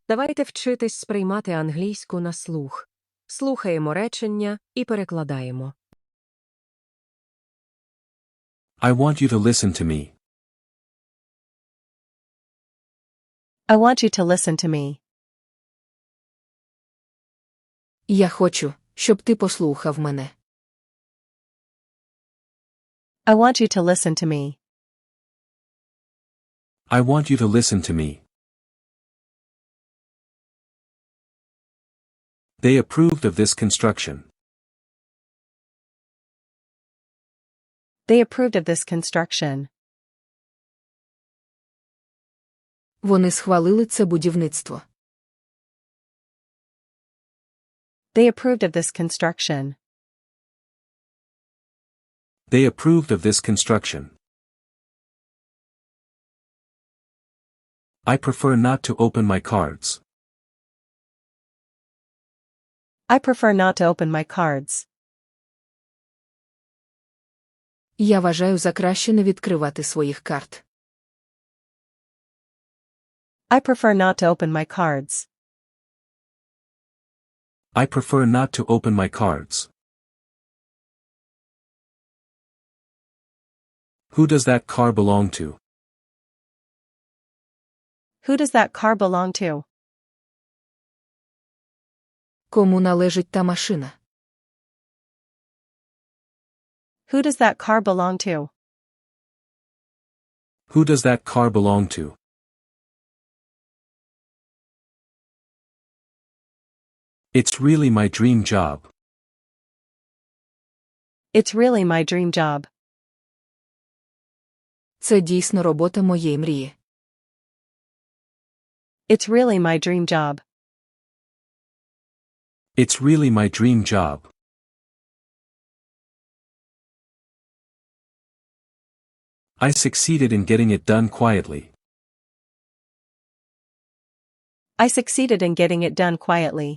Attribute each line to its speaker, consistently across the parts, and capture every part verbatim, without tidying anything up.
Speaker 1: Давайте вчитись сприймати англійську на слух. Слухаємо речення і перекладаємо.
Speaker 2: I want you to listen to me.
Speaker 3: I want you to listen to me.
Speaker 4: Я хочу, щоб ти послухав мене.
Speaker 3: I want you to listen to me.
Speaker 2: I want you to listen to me. They approved of this construction.
Speaker 3: They approved of this construction.
Speaker 4: Вони схвалили це будівництво.
Speaker 3: They approved of this construction.
Speaker 2: They approved of this construction. I prefer not to open my cards.
Speaker 3: I prefer not to open my cards.
Speaker 4: Я вважаю за краще не відкривати своїх карт.
Speaker 3: I prefer not to open my cards.
Speaker 2: I prefer not to open my cards. Who does that car belong to?
Speaker 3: Who does that car belong to?
Speaker 4: Кому належить та машина?
Speaker 3: Who does that car belong to?
Speaker 2: Who does that car belong to? It's really my dream job.
Speaker 3: It's really my dream job.
Speaker 4: Це дійсно робота моєї мрії.
Speaker 3: It's really my dream job.
Speaker 2: It's really my dream job. I succeeded in getting it done quietly.
Speaker 3: I succeeded in getting it done quietly.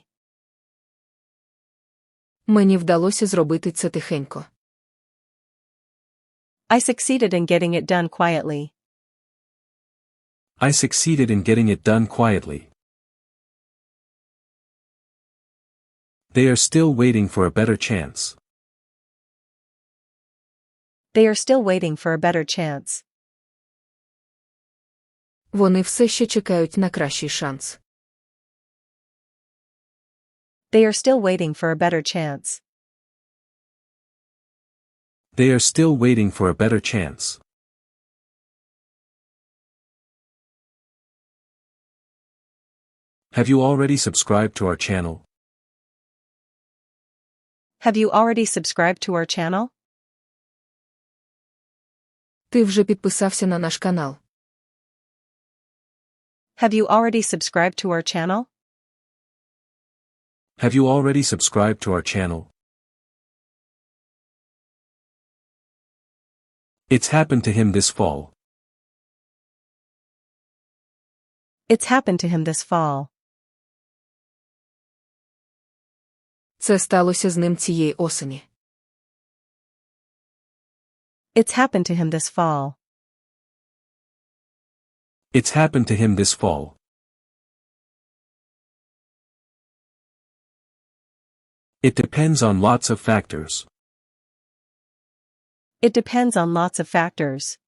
Speaker 4: Мені вдалося зробити це тихенько.
Speaker 3: I succeeded in getting it done quietly.
Speaker 2: I succeeded in getting it done quietly. They are still waiting for a better chance.
Speaker 3: They are still waiting for a better chance.
Speaker 4: Вони все ще чекають на кращий шанс.
Speaker 3: They are still waiting for a better chance.
Speaker 2: They are still waiting for a better chance. Have you already subscribed to our channel?
Speaker 3: Have you already subscribed to our channel?
Speaker 4: Ти вже підписався на наш канал.
Speaker 3: Have you already subscribed to our channel?
Speaker 2: Have you already subscribed to our channel? It's happened to him this fall.
Speaker 3: It's happened to him this fall.
Speaker 4: Це сталося з ним цієї осені.
Speaker 3: It's happened to him this fall.
Speaker 2: It's happened to him this fall. It depends on lots of factors.
Speaker 3: It depends on lots of factors.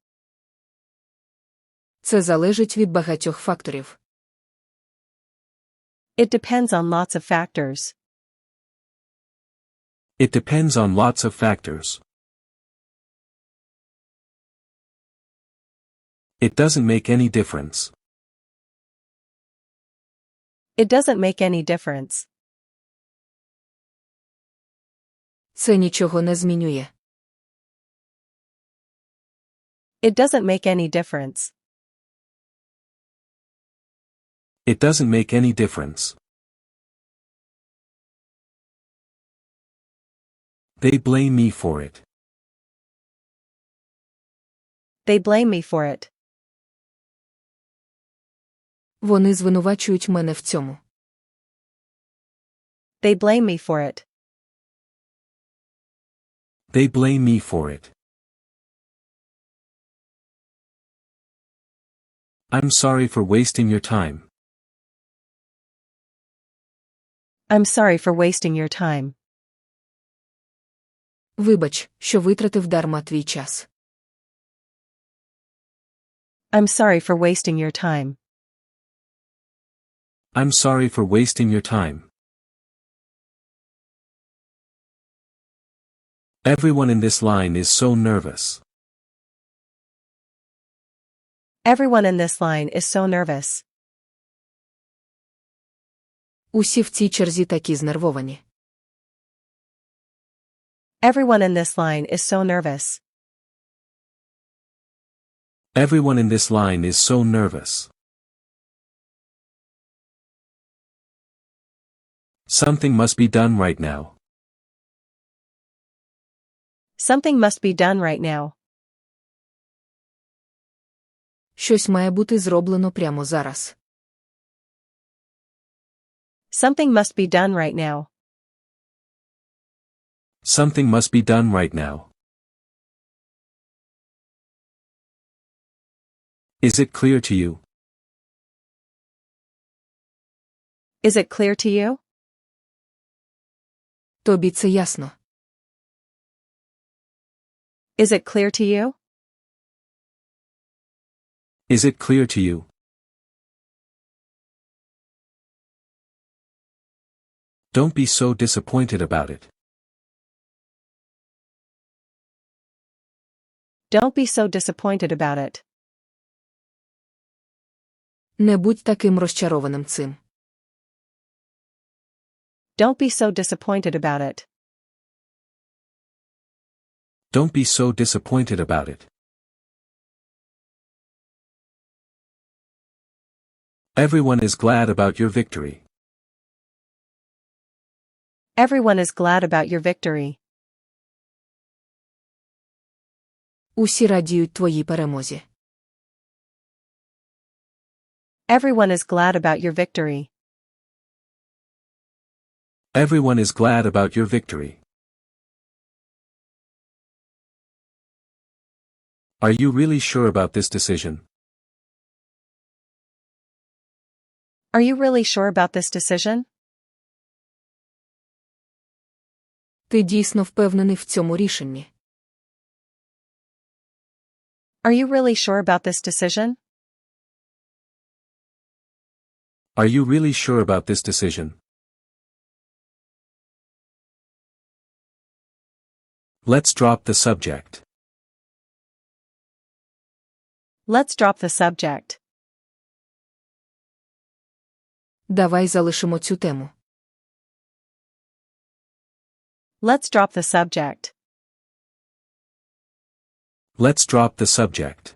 Speaker 4: Це залежить від багатьох факторів.
Speaker 3: It depends on lots of factors.
Speaker 2: It depends on lots of factors. It doesn't make any difference.
Speaker 3: It doesn't make any difference.
Speaker 4: Це нічого не змінює.
Speaker 3: It doesn't make any difference.
Speaker 2: It doesn't make any difference. They blame me for it.
Speaker 3: They blame me for it.
Speaker 4: Вони звинувачують мене в цьому.
Speaker 3: They blame me for it.
Speaker 2: They blame me for it. I'm sorry for wasting your time.
Speaker 3: I'm sorry for wasting your time.
Speaker 4: Вибач, що витратив дарма твій час.
Speaker 3: I'm sorry for wasting your time.
Speaker 2: I'm sorry for wasting your time. Everyone in this line is so nervous.
Speaker 3: Everyone in this line is so nervous.
Speaker 4: Усі в цій черзі такі знервовані.
Speaker 3: Everyone in this line is so nervous.
Speaker 2: Everyone in this line is so nervous. Something must be done right now.
Speaker 3: Something must be done right now.
Speaker 4: Щось має бути зроблено прямо зараз.
Speaker 3: Something must be done right now.
Speaker 2: Something must be done right now. Is it clear to you?
Speaker 3: Is it clear to you?
Speaker 4: Тобі це ясно.
Speaker 3: Is it clear to you?
Speaker 2: Is it clear to you? Don't be so disappointed about it.
Speaker 3: Don't be so disappointed about it.
Speaker 4: Не будь таким розчарованим цим.
Speaker 3: Don't be so disappointed about it.
Speaker 2: Don't be so disappointed about it. Everyone is glad about your victory.
Speaker 3: Everyone is glad about your victory.
Speaker 4: Усі радіють твоїй перемозі.
Speaker 3: Everyone is glad about your victory.
Speaker 2: Everyone is glad about your victory. Are you really sure about this decision?
Speaker 3: Are you really sure about this decision?
Speaker 4: Ти дійсно впевнений в цьому рішенні.
Speaker 3: Are you really sure about this decision?
Speaker 2: Are you really sure about this decision? Let's drop the subject.
Speaker 3: Let's drop the subject.
Speaker 4: Давай залишимо цю тему.
Speaker 3: Let's drop the subject.
Speaker 2: Let's drop the subject.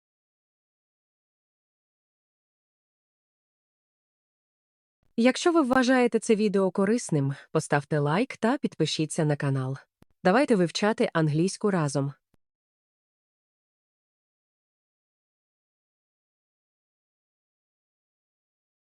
Speaker 1: Якщо ви вважаєте це відео корисним, поставте лайк та підпишіться на канал. Давайте вивчати англійську разом.